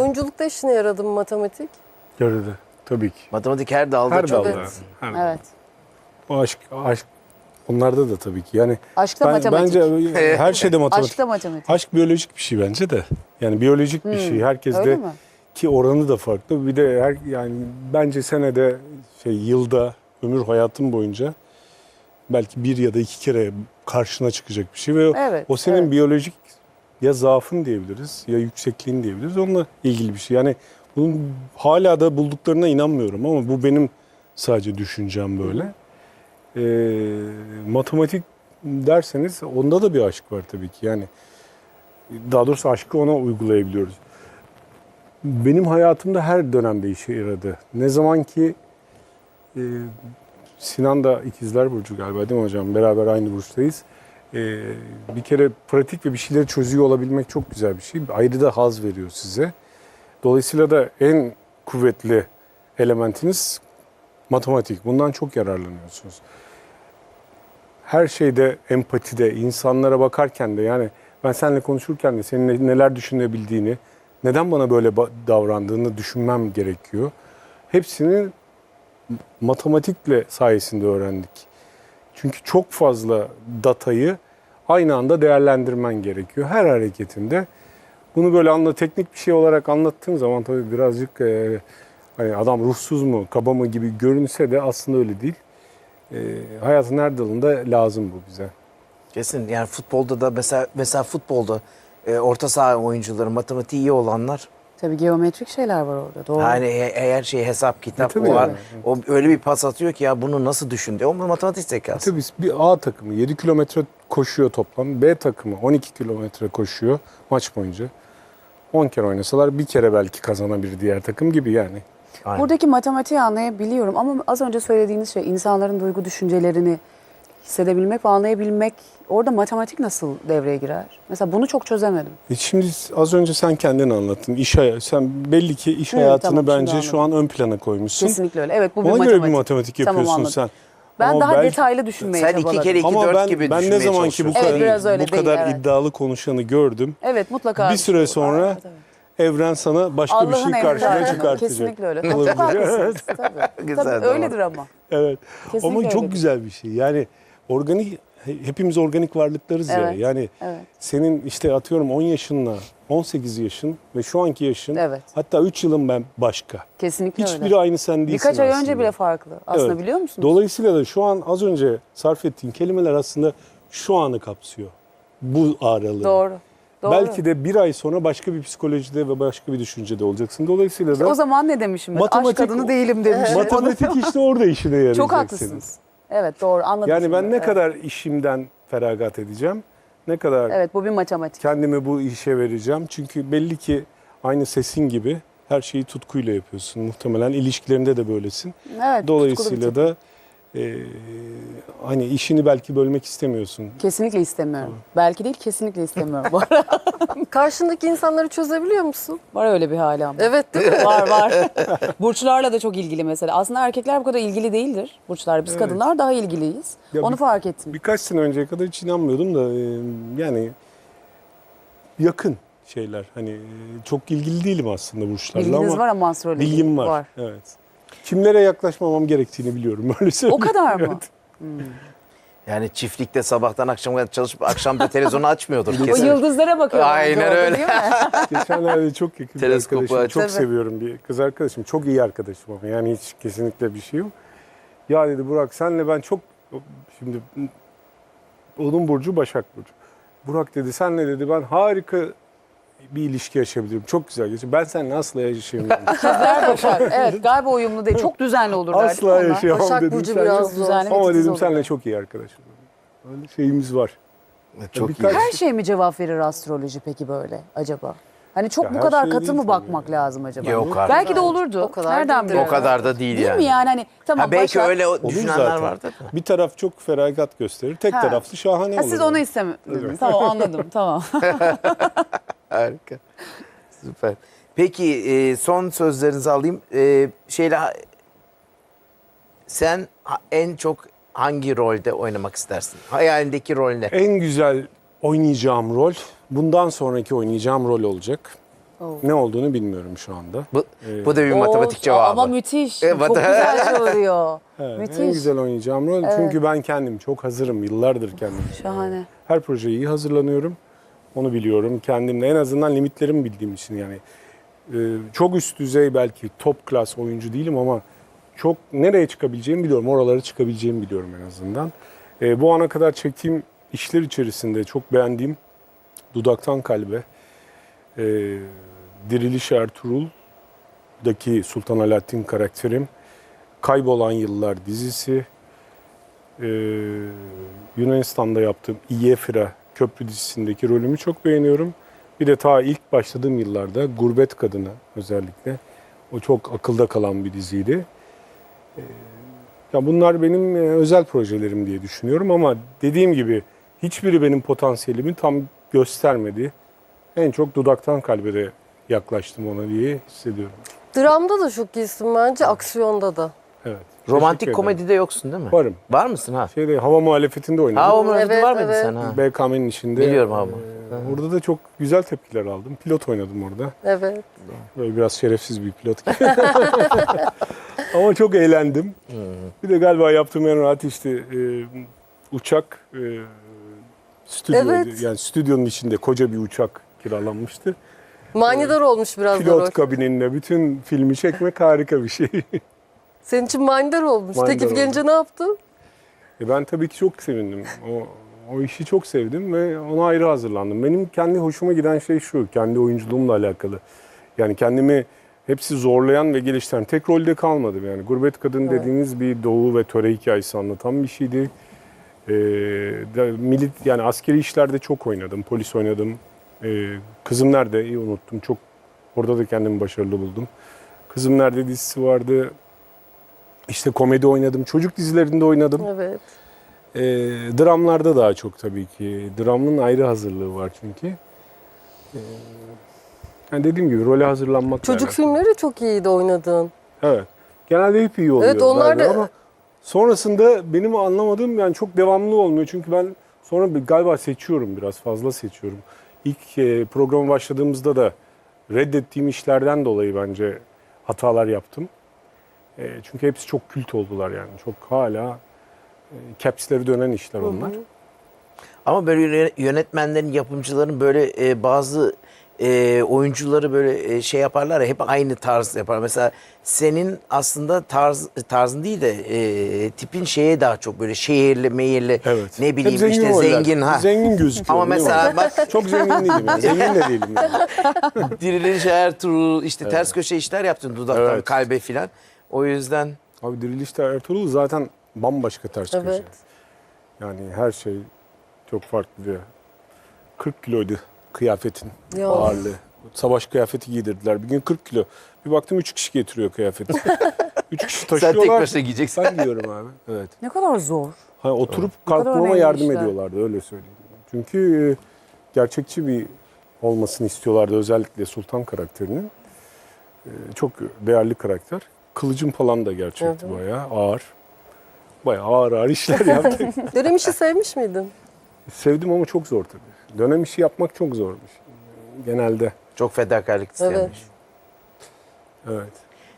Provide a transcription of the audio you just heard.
Oyunculukta işine yaradı mı matematik? Yaradı. Tabii ki. Matematik her dalda Her çok. dalda. Evet. Her dalda. Evet. O aşk onlarda da tabii ki. Yani Aşkta matematik. bence her şeyde matematik. Aşkta matematik. Aşk biyolojik bir şey bence de. Yani biyolojik bir şey. Öyle Herkeste mi? ki oranı da farklı. Bir de yani bence senede yılda ömür hayatın boyunca belki bir ya da iki kere karşına çıkacak bir şey ve Evet, o senin evet. biyolojik ya zaafın diyebiliriz ya yüksekliğin diyebiliriz. Onunla ilgili bir şey. Yani bunun hala da bulduklarına inanmıyorum ama bu benim sadece düşüncem böyle. Matematik derseniz onda da bir aşk var tabii ki. Yani daha doğrusu aşkı ona uygulayabiliyoruz. Benim hayatımda her dönemde işe yaradı. Ne zaman ki Sinan da ikizler burcu galiba değil mi hocam? Beraber aynı burçtayız. Bir kere pratik ve bir şeyleri çözüyor olabilmek çok güzel bir şey. Ayrı da haz veriyor size. Dolayısıyla da en kuvvetli elementiniz matematik. Bundan çok yararlanıyorsunuz. Her şeyde, empatide, insanlara bakarken de yani ben seninle konuşurken de senin neler düşünebildiğini, neden bana böyle davrandığını düşünmem gerekiyor. Hepsini matematikle sayesinde öğrendik. Çünkü çok fazla datayı aynı anda değerlendirmen gerekiyor her hareketinde. Bunu böyle teknik bir şey olarak anlattığın zaman tabii birazcık hani adam ruhsuz mu, kaba mı gibi görünse de aslında öyle değil. Hayatın her dalında lazım bu bize. Kesin yani futbolda da mesela futbolda orta saha oyuncuları matematiği iyi olanlar Tabii geometrik şeyler var orada. Doğru. yani eğer hesap kitap tabii var. yani. O öyle bir pas atıyor ki ya bunu nasıl düşündü? O matematik zekası. Tabii bir A takımı 7 kilometre koşuyor toplam. B takımı 12 kilometre koşuyor maç boyunca. 10 kere oynasalar bir kere belki kazanabilir diğer takım gibi yani. Aynen. Buradaki matematiği anlayabiliyorum ama az önce söylediğiniz şey insanların duygu düşüncelerini hissedebilmek ve anlayabilmek, orada matematik nasıl devreye girer? Mesela bunu çok çözemedim. Şimdi az önce sen kendin anlattın. Sen belli ki iş hayatını tamam, şimdi bence şu an ön plana koymuşsun. Kesinlikle öyle. Evet, bu bir Ona matematik. göre bir matematik Tamam, yapıyorsun anladım. sen. Ben Ama daha belki- detaylı düşünmeye Sen çabaladım. 2 kere 2 Ama 4 gibi ben ne düşünmeye zaman ki bu çalışıyorsun. Evet, biraz öyle değil, kadar evet. iddialı konuşanı gördüm. Evet, mutlaka. Bir süre sonra Evet, evet. evren sana başka bir Allah'ın şey emri karşına zaten. çıkartacak. Kesinlikle öyle. Olabilir. Çok haklısınız. Tabii. Güzel, Tabii doğru. öyledir ama. Evet. Kesinlikle Ama çok öyledir. güzel bir şey. Yani hepimiz organik varlıklarız ya. Evet, Yani evet. senin işte atıyorum 10 yaşınla 18 yaşın ve şu anki yaşın Evet. hatta 3 yılın ben başka. Kesinlikle Hiçbiri öyle. aynı sen değilsin Birkaç ay önce aslında. bile farklı. Aslında Evet. biliyor musunuz? Dolayısıyla da şu an az önce sarf ettiğin kelimeler aslında şu anı kapsıyor. Bu aralığı. Doğru. Doğru. Belki de bir ay sonra başka bir psikolojide ve başka bir düşüncede olacaksın. Dolayısıyla da O zaman ne demişim ben? Aşk Matematik- kadını değilim demişim. matematik işte orada işine yarayacak Çok senin. haklısınız. Evet, doğru, anladım. Yani ben şimdi. ne Evet. kadar işimden feragat edeceğim, ne kadar Evet, bu bir matematik. kendimi bu işe vereceğim. Çünkü belli ki aynı sesin gibi her şeyi tutkuyla yapıyorsun. Muhtemelen ilişkilerinde de böylesin. Evet, Dolayısıyla tutkulu bir da hani işini belki bölmek istemiyorsun. tip. Kesinlikle istemiyorum. Belki değil, kesinlikle istemiyorum. Bu arada Karşındaki insanları çözebiliyor musun? var öyle bir hali ama. Evet değil mi? Var var. Burçlarla da çok ilgili mesela. Aslında erkekler bu kadar ilgili değildir. Burçlar, biz Evet. kadınlar daha ilgiliyiz. Ya Onu fark ettim. Birkaç sene önceye kadar hiç inanmıyordum da yani yakın şeyler. Hani çok ilgili değilim aslında burçlarla Bilginiz ama var ama astroloji. bilgim var. Evet. Kimlere yaklaşmamam gerektiğini biliyorum öyle O söyleyeyim. kadar mı? Yani çiftlikte sabahtan akşama kadar çalışıp akşam da televizyonu açmıyordur O kesin. yıldızlara bakıyor. Aynen bence orada, öyle. değil mi? Geçenlerde çok yakın bir Teleskopu arkadaşım, aç. çok Tabii. seviyorum bir kız arkadaşım. Çok iyi arkadaşım ama yani hiç kesinlikle bir şey yok. Ya dedi Burak senle ben çok, şimdi onun burcu Başak Burcu. Burak dedi senle dedi ben harika bir ilişki yaşayabilirim. Çok güzel geçiyor. Ben seninle asla yaşayamıyorum. İkizler Başak. Evet, galiba uyumlu değil. Çok düzenli olurlar. değil mi Asla onlar? yaşayamam Başak dedim. Burcu Sen biraz çok- zor. Düzenli ve Ama titiz dedim olurlar. seninle çok iyi arkadaşım. Öyle şeyimiz var. Çok Birkaç- iyi. Her şey mi cevap verir astroloji peki böyle acaba? Hani çok Ya bu her kadar şey katı değil mı tabii bakmak yani. lazım acaba? Yok artık. Belki de olurdu. O kadar Nereden değildir. biliyorsun? O kadar da değil Değil yani. mi yani? Hani tamam Ha, belki Başak. öyle Olur düşünenler zaten. vardır da. Bir taraf çok feragat gösterir. Tek Ha. taraflı şahane Ha, olur. siz onu istemediniz. Evet. Tamam, anladım. Tamam. Harika. Süper. Peki son sözlerinizi alayım. Sen en çok hangi rolde oynamak istersin? Hayalindeki rol ne? En güzel oynayacağım rol, bundan sonraki oynayacağım rol olacak. Oh. Ne olduğunu bilmiyorum şu anda. Bu da bir matematik cevabı. Ama müthiş. Evet. Çok güzel soruyor. Evet, Müthiş. en güzel oynayacağım rol. Çünkü ben kendim çok hazırım. Yıllardır kendim. Şahane. Her projeye iyi hazırlanıyorum. Onu biliyorum. Kendimle en azından limitlerimi bildiğim için yani. Çok üst düzey belki top klas oyuncu değilim ama çok nereye çıkabileceğimi biliyorum. Oralara çıkabileceğimi biliyorum en azından. Bu ana kadar çektiğim işler içerisinde çok beğendiğim Dudaktan Kalbe, Diriliş Ertuğrul'daki Sultan Alaaddin karakterim, Kaybolan Yıllar dizisi, Yunanistan'da yaptığım İyefira Köprü dizisindeki rolümü çok beğeniyorum. Bir de ta ilk başladığım yıllarda Gurbet Kadını özellikle. O çok akılda kalan bir diziydi. Ya bunlar benim özel projelerim diye düşünüyorum ama dediğim gibi hiçbiri benim potansiyelimi tam göstermedi. En çok Dudaktan Kalbe'de yaklaştım ona diye hissediyorum. Dramda da çok iyisin bence, aksiyonda da. Evet. Romantik Teşekkür ederim. komedide yoksun değil mi? Varım. Var mısın ha? Hava muhalefetinde oynadım. Ha o muhabbeti Evet, var mıydı evet. sen ha? BKM'nin içinde. Biliyorum abi. Orada da çok güzel tepkiler aldım. Pilot oynadım orada. Evet. Böyle biraz şerefsiz bir pilot gibi. Ama çok eğlendim. Bir de galiba yaptığım en rahat işte uçak stüdyoydu. Evet. Yani stüdyonun içinde koca bir uçak kiralanmıştı. Manidar olmuş biraz da rol. Pilot kabininde bütün filmi çekmek harika bir şey. Senin için manidar olmuş. Manidar Teklif gelince oldu. ne yaptın? Ben tabii ki çok sevindim. O işi çok sevdim ve ona ayrı hazırlandım. Benim kendi hoşuma giden şey şu, kendi oyunculuğumla alakalı. Yani kendimi hepsi zorlayan ve geliştiren tek rolde kalmadım. Yani Gurbet Kadın dediğiniz bir doğu ve töre hikayesi anlatan bir şeydi. Yani askeri işlerde çok oynadım, polis oynadım. Kızım Nerede, iyi unuttum. Çok orada da kendimi başarılı buldum. Kızım Nerede dizisi vardı. İşte komedi oynadım, çocuk dizilerinde oynadım. Evet. Dramlarda daha çok tabii ki. Dramın ayrı hazırlığı var çünkü. Yani dediğim gibi role hazırlanmak Çocuk filmleri de çok iyiydi oynadığın. Evet. Genelde hep iyi oluyor. Evet, onlar galiba da- ama sonrasında benim anlamadığım yani çok devamlı olmuyor. Çünkü ben sonra galiba seçiyorum, biraz fazla seçiyorum. İlk programa başladığımızda da reddettiğim işlerden dolayı bence hatalar yaptım. Çünkü hepsi çok kült oldular yani. Çok hala caps'leri dönen işler onlar. Ama böyle yönetmenlerin, yapımcıların böyle bazı oyuncuları böyle şey yaparlar ya, hep aynı tarz yapar. Mesela senin aslında tarzın değil de tipin şeye daha çok böyle şehirli, meyirli, Evet. ne bileyim Hep zengin işte roller. zengin ha. Zengin gözüküyor. Ama değil mi? mesela bak Çok zengin değilim yani. Zengin de değilim yani. Diriliş Ertuğrul işte ters köşe işler yaptın, Dudaktan Evet. Kalbe filan. O yüzden Abi Diriliş'te Ertuğrul zaten bambaşka ters köşe. Evet. Yani her şey çok farklı. 40 kiloydu kıyafetin Ya. ağırlığı. Savaş kıyafeti giydirdiler. Bir gün 40 kilo. Bir baktım 3 kişi getiriyor kıyafeti. 3 kişi sen taşıyorlar. tek başına giyeceksin. Ben giyiyorum abi. Evet. Ne kadar zor. Hani oturup Ne kadar kalkmama önemli yardım işler. ediyorlardı öyle söyleyeyim. Çünkü gerçekçi bir olmasını istiyorlardı özellikle Sultan karakterinin. Çok değerli karakter. Kılıcım falan da gerçekti Evet. bayağı ağır. Bayağı ağır işler yaptık. Dönem işi sevmiş miydin? Sevdim ama çok zor tabii. Dönem işi yapmak çok zormuş. Genelde. Çok fedakarlık istemiş. Evet. Evet.